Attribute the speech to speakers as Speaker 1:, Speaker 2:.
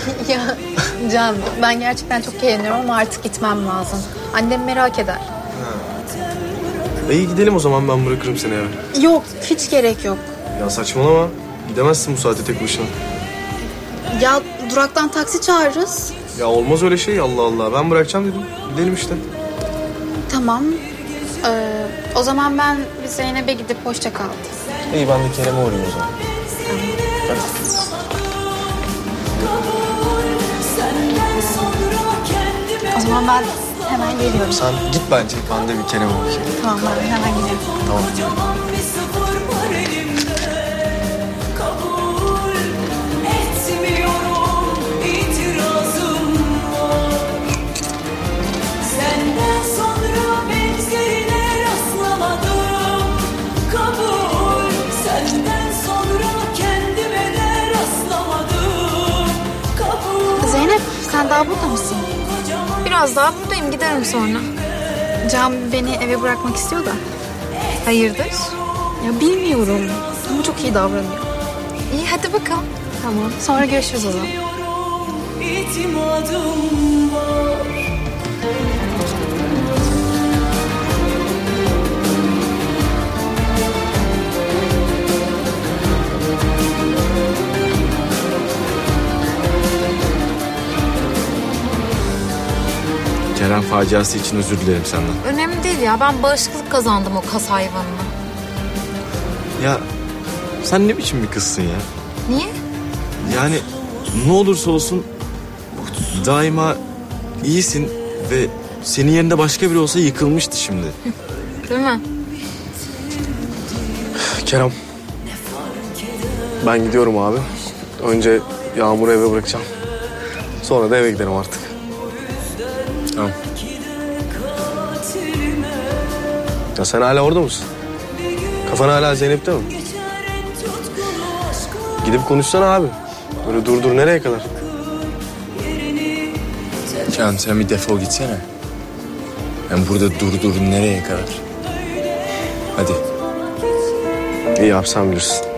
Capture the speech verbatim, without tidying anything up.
Speaker 1: Ya Can, ben gerçekten çok eğleniyorum ama artık gitmem lazım. Annem merak eder.
Speaker 2: İyi gidelim o zaman, ben bırakırım seni eve.
Speaker 1: Yok, hiç gerek yok.
Speaker 2: Ya saçmalama. Gidemezsin bu saatte tek başına.
Speaker 1: Ya duraktan taksi çağırırız.
Speaker 2: Ya olmaz öyle şey, Allah Allah. Ben bırakacağım dedim. Gidelim işte.
Speaker 1: Tamam. Ee, o zaman ben bir Zeynep'e gidip hoşça kal diyeyim.
Speaker 2: İyi, ben de Kerem'e uğrayayım o zaman.
Speaker 1: O zaman ben hemen geliyorum.
Speaker 2: Sen git bence. Ben de bir Kerem'e bakayım.
Speaker 1: Tamam, ben hemen gidiyorum.
Speaker 2: Tamam.
Speaker 1: Zeynep, sen daha burada mısın?
Speaker 3: Biraz daha buradayım, giderim sonra.
Speaker 1: Can beni eve bırakmak istiyor da.
Speaker 3: Hayırdır?
Speaker 1: Ya bilmiyorum ama çok iyi davranıyor.
Speaker 3: İyi, hadi bakalım.
Speaker 1: Tamam, sonra görüşürüz o zaman.
Speaker 2: Kerem faciası için özür dilerim senden.
Speaker 3: Önemli değil ya, ben bağışıklık kazandım o kas hayvanına.
Speaker 2: Ya sen ne biçim bir kızsın ya?
Speaker 3: Niye?
Speaker 2: Yani ne olursa olsun daima iyisin ve senin yerinde başka biri olsa yıkılmıştı şimdi.
Speaker 3: Değil mi?
Speaker 2: Kerem, ben gidiyorum abi. Önce Yağmur'u eve bırakacağım. Sonra da eve giderim artık. Tamam. Ya sen hala orada mısın? Kafan hala Zeynep'te mi? Gidip konuşsana abi. Böyle dur dur nereye kadar?
Speaker 4: Can, sen bir defol gitsene. Ben burada dur dur nereye kadar? Hadi.
Speaker 2: İyi yap, sen bilirsin.